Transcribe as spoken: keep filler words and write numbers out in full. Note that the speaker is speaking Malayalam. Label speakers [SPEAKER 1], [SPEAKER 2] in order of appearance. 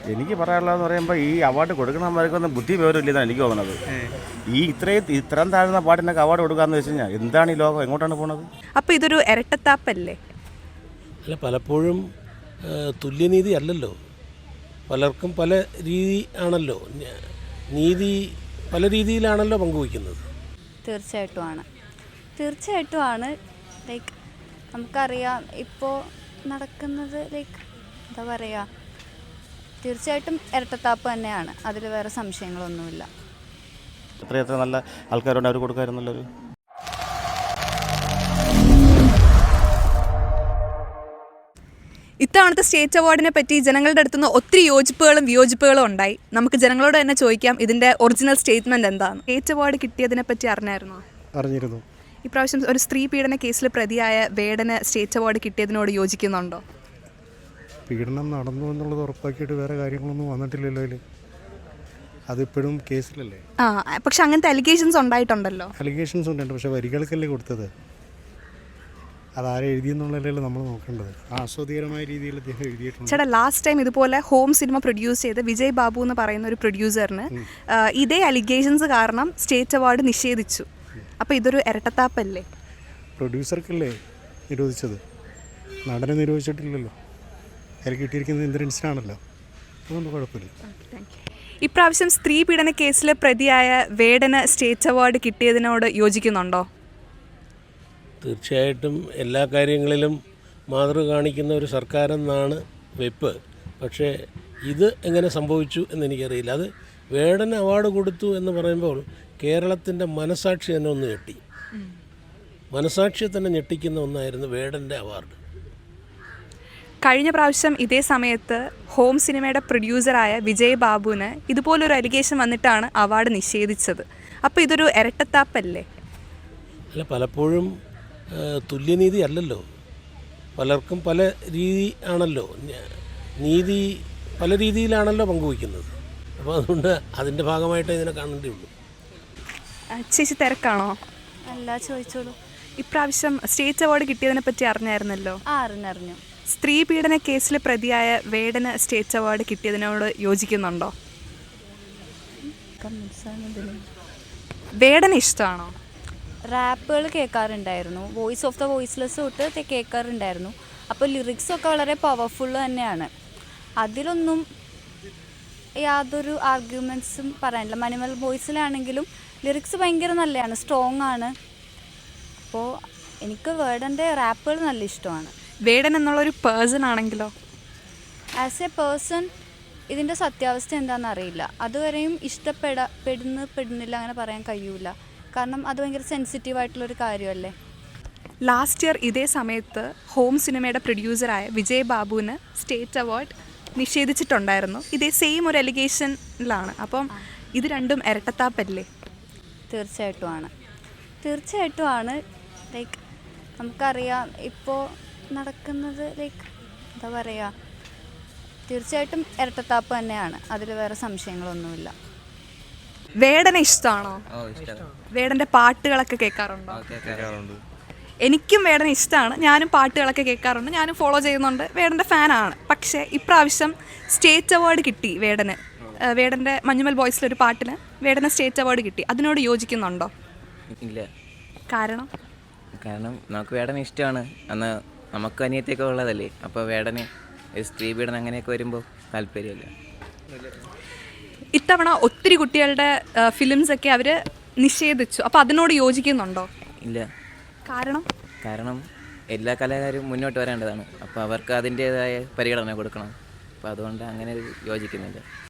[SPEAKER 1] എനിക്ക് പറയാനുള്ളതെന്ന് പറയുമ്പോൾ ഈ അവാർഡ് കൊടുക്കുന്നവർക്കൊന്നും ബുദ്ധി വിവരമില്ലെന്നാണ് എനിക്ക് തോന്നുന്നത്. ഈ ഇത്രയും ഇത്രയും താഴ്ന്ന പാട്ടിനൊക്കെ അവാർഡ് കൊടുക്കാന്ന് വെച്ച് കഴിഞ്ഞാൽ എന്താണ് ഈ ലോകം, എങ്ങോട്ടാണ് പോണത്?
[SPEAKER 2] അപ്പോൾ ഇതൊരു ഇരട്ടത്താപ്പല്ലേ?
[SPEAKER 3] അല്ല, പലപ്പോഴും തുല്യനീതി അല്ലല്ലോ, പലർക്കും പല രീതി ആണല്ലോ, നീതി പല രീതിയിലാണല്ലോ പങ്കുവയ്ക്കുന്നത്.
[SPEAKER 4] തീർച്ചയായിട്ടും ആണ് തീർച്ചയായിട്ടും ആണ് ലൈക്ക് നമുക്കറിയാം ഇപ്പോൾ നടക്കുന്നത്, ലൈക്ക് എന്താ പറയുക, തീർച്ചയായിട്ടും ഇരട്ടത്താപ്പ് തന്നെയാണ്, അതിൽ വേറെ സംശയങ്ങളൊന്നുമില്ല.
[SPEAKER 1] എത്രയെത്ര നല്ല ആൾക്കാരുണ്ട്, അവർ കൊടുക്കാറുള്ളൊരു
[SPEAKER 2] ഇത്തവണത്തെ സ്റ്റേറ്റ് അവാർഡിനെ പറ്റി ജനങ്ങളുടെ അടുത്തുനിന്ന് ഒത്തിരി യോജിപ്പുകളും വിയോജിപ്പുകളും ഉണ്ടായി. നമുക്ക് ജനങ്ങളോട് തന്നെ ചോദിക്കാം ഇതിൻ്റെ ഒറിജിനൽ സ്റ്റേറ്റ്മെൻറ്റ് എന്താണ്. സ്റ്റേറ്റ് അവാർഡ് കിട്ടിയതിനെ പറ്റി അറിഞ്ഞായിരുന്നോ?
[SPEAKER 5] അറിഞ്ഞിരുന്നു.
[SPEAKER 2] ഇപ്രാവശ്യം ഒരു സ്ത്രീ പീഡന കേസിൽ പ്രതിയായ വേടന് സ്റ്റേറ്റ് അവാർഡ് കിട്ടിയതിനോട് യോജിക്കുന്നുണ്ടോ?
[SPEAKER 5] പീഡനം നടന്നു എന്നുള്ളത് ഉറപ്പാക്കിയിട്ട് വേറെ കാര്യങ്ങളൊന്നും വന്നിട്ടില്ലല്ലോ അതിൽ. അതിപ്പോഴും കേസിലല്ലേ?
[SPEAKER 2] ആ, പക്ഷെ അങ്ങനത്തെ അലിഗേഷൻസ് ഉണ്ടായിട്ടുണ്ടല്ലോ.
[SPEAKER 5] അലിഗേഷൻസ് ഉണ്ട്, പക്ഷെ വരികൾക്കല്ലേ കൊടുത്തത്. അതാരെ എഴുതിയെന്നുള്ളതല്ലേ നമ്മൾ നോക്കേണ്ടത്. ആസ്വാദികരമായ രീതിയിൽ അദ്ദേഹം എഴുതിയിട്ടുണ്ട്.
[SPEAKER 2] ചേട്ടാ, ലാസ്റ്റ് ടൈം ഇതുപോലെ ഹോം സിനിമ പ്രൊഡ്യൂസ് ചെയ്ത വിജയ് ബാബു എന്ന് പറയുന്ന ഒരു പ്രൊഡ്യൂസറിന് ഇതേ അലിഗേഷൻസ് കാരണം സ്റ്റേറ്റ് അവാർഡ് നിഷേധിച്ചു. അപ്പോൾ ഇതൊരു ഇരട്ടത്താപ്പല്ലേ?
[SPEAKER 5] പ്രൊഡ്യൂസർക്കല്ലേ നിരോധിച്ചത്, നടനെ നിരോധിച്ചിട്ടില്ലല്ലോ. അതിൽ കിട്ടിയിരിക്കുന്നത് ഇന്ദ്രൻസിനാണല്ലോ, അതുകൊണ്ട് കുഴപ്പമില്ല.
[SPEAKER 2] ഇപ്രാവശ്യം സ്ത്രീ പീഡന കേസിലെ പ്രതിയായ വേടന് സ്റ്റേറ്റ് അവാർഡ് കിട്ടിയതിനോട് യോജിക്കുന്നുണ്ടോ?
[SPEAKER 3] തീർച്ചയായിട്ടും എല്ലാ കാര്യങ്ങളിലും മാതൃക കാണിക്കുന്ന ഒരു സർക്കാരെന്നാണ് വെപ്പ്. പക്ഷേ ഇത് എങ്ങനെ സംഭവിച്ചു എന്നെനിക്കറിയില്ല. അത് വേടന് അവാർഡ് കൊടുത്തു എന്ന് പറയുമ്പോൾ കേരളത്തിൻ്റെ മനസാക്ഷി തന്നെ ഒന്ന് ഞെട്ടി. മനസാക്ഷിയെ തന്നെ ഞെട്ടിക്കുന്ന ഒന്നായിരുന്നു വേടൻ്റെ അവാർഡ്.
[SPEAKER 2] കഴിഞ്ഞ പ്രാവശ്യം ഇതേ സമയത്ത് ഹോം സിനിമയുടെ പ്രൊഡ്യൂസറായ വിജയ് ബാബുവിന് ഇതുപോലൊരു അലിഗേഷൻ വന്നിട്ടാണ് അവാർഡ് നിഷേധിച്ചത്. അപ്പോൾ ഇതൊരു ഇരട്ടത്താപ്പല്ലേ?
[SPEAKER 3] അല്ല, പലപ്പോഴും തുല്യനീതി അല്ലല്ലോ, പലർക്കും പല രീതി ആണല്ലോ, നീതി പല രീതിയിലാണല്ലോ പങ്കുവയ്ക്കുന്നത്. അപ്പോൾ അതുകൊണ്ട് അതിൻ്റെ ഭാഗമായിട്ട് ഇതിനെ കാണേണ്ടിയുള്ളൂ.
[SPEAKER 2] ചേച്ചി തിരക്കാണോ?
[SPEAKER 4] അല്ല, ചോദിച്ചോളൂ.
[SPEAKER 2] ഇപ്രാവശ്യം സ്റ്റേറ്റ് അവാർഡ് കിട്ടിയതിനെ പറ്റി അറിഞ്ഞായിരുന്നല്ലോ.
[SPEAKER 4] ആ, അറിഞ്ഞറിഞ്ഞു.
[SPEAKER 2] സ്ത്രീ പീഡന കേസിൽ പ്രതിയായ വേടന് സ്റ്റേറ്റ് അവാർഡ് കിട്ടിയതിനോട് യോജിക്കുന്നുണ്ടോ? വേടന് ഇഷ്ടമാണോ?
[SPEAKER 4] റാപ്പുകൾ കേൾക്കാറുണ്ടായിരുന്നു, വോയിസ് ഓഫ് ദ വോയിസ്ലെസ് തൊട്ട് കേൾക്കാറുണ്ടായിരുന്നു. അപ്പോൾ ലിറിക്സൊക്കെ വളരെ പവർഫുൾ തന്നെയാണ്, അതിലൊന്നും യാതൊരു ആർഗ്യുമെൻറ്റ്സും പറയാനില്ല. മനിമൽ വോയിസിലാണെങ്കിലും ലിറിക്സ് ഭയങ്കര നല്ലതാണ്, സ്ട്രോങ് ആണ്. അപ്പോൾ എനിക്ക് വേടൻ്റെ റാപ്പുകൾ നല്ല ഇഷ്ടമാണ്.
[SPEAKER 2] വേടൻ എന്നുള്ളൊരു പേഴ്സൺ ആണെങ്കിലോ?
[SPEAKER 4] ആസ് എ പേഴ്സൺ ഇതിൻ്റെ സത്യാവസ്ഥ എന്താണെന്ന് അറിയില്ല. അതുവരെയും ഇഷ്ടപ്പെടാ പെടുന്ന പെടുന്നില്ല അങ്ങനെ പറയാൻ കഴിയൂല, കാരണം അത് ഭയങ്കര സെൻസിറ്റീവായിട്ടുള്ളൊരു കാര്യമല്ലേ.
[SPEAKER 2] ലാസ്റ്റ് ഇയർ ഇതേ സമയത്ത് ഹോം സിനിമയുടെ പ്രൊഡ്യൂസറായ വിജയ് ബാബുവിന് സ്റ്റേറ്റ് അവാർഡ് നിഷേധിച്ചിട്ടുണ്ടായിരുന്നു, ഇതേ സെയിം ഒരു അലിഗേഷനിലാണ്. അപ്പം ഇത് രണ്ടും ഇരട്ടത്താപ്പല്ലേ?
[SPEAKER 4] തീർച്ചയായിട്ടും ആണ് തീർച്ചയായിട്ടും ആണ് ലൈക്ക് നമുക്കറിയാം ഇപ്പോൾ നടക്കുന്നത്, ലൈക്ക് എന്താ പറയുക, തീർച്ചയായിട്ടും ഇരട്ടത്താപ്പ് തന്നെയാണ്, അതിൽ വേറെ സംശയങ്ങളൊന്നുമില്ല.
[SPEAKER 2] വേടനെ ഇഷ്ടമാണോ? വേടൻ്റെ പാട്ടുകളൊക്കെ കേൾക്കാറുണ്ടോ? എനിക്കും വേടനെ ഇഷ്ടമാണ്, ഞാനും പാട്ടുകളൊക്കെ കേൾക്കാറുണ്ട്, ഞാനും ഫോളോ ചെയ്യുന്നുണ്ട്, വേടൻ്റെ ഫാനാണ്. പക്ഷേ ഇപ്രാവശ്യം സ്റ്റേറ്റ് അവാർഡ് കിട്ടി വേടന്. വേടൻ്റെ മഞ്ഞുമൽ ബോയ്സിലൊരു പാട്ടിന് വേടന് സ്റ്റേറ്റ് അവാർഡ് കിട്ടി, അതിനോട് യോജിക്കുന്നുണ്ടോ?
[SPEAKER 6] ഇല്ല.
[SPEAKER 2] കാരണം
[SPEAKER 6] കാരണം നമുക്ക് വേടനെ ഇഷ്ടമാണ്, അന്ന് നമുക്ക് അനിയത്തൊക്കെ ഉള്ളതല്ലേ. അപ്പോൾ വേടന് സ്ത്രീ പീഡനം അങ്ങനെയൊക്കെ വരുമ്പോൾ താല്പര്യമില്ല.
[SPEAKER 2] ഇത്തവണ ഒത്തിരി കുട്ടികളുടെ ഫിലിംസ് ഒക്കെ അവർ നിഷേധിച്ചു, അപ്പോൾ അതിനോട് യോജിക്കുന്നുണ്ടോ?
[SPEAKER 6] ഇല്ല.
[SPEAKER 2] കാരണം
[SPEAKER 6] കാരണം എല്ലാ കലാകാരും മുന്നോട്ട് വരേണ്ടതാണ്, അപ്പോൾ അവർക്ക് അതിൻ്റേതായ പരിഗണന കൊടുക്കണം. അപ്പോൾ അതുകൊണ്ട് അങ്ങനെ യോജിക്കുന്നില്ല.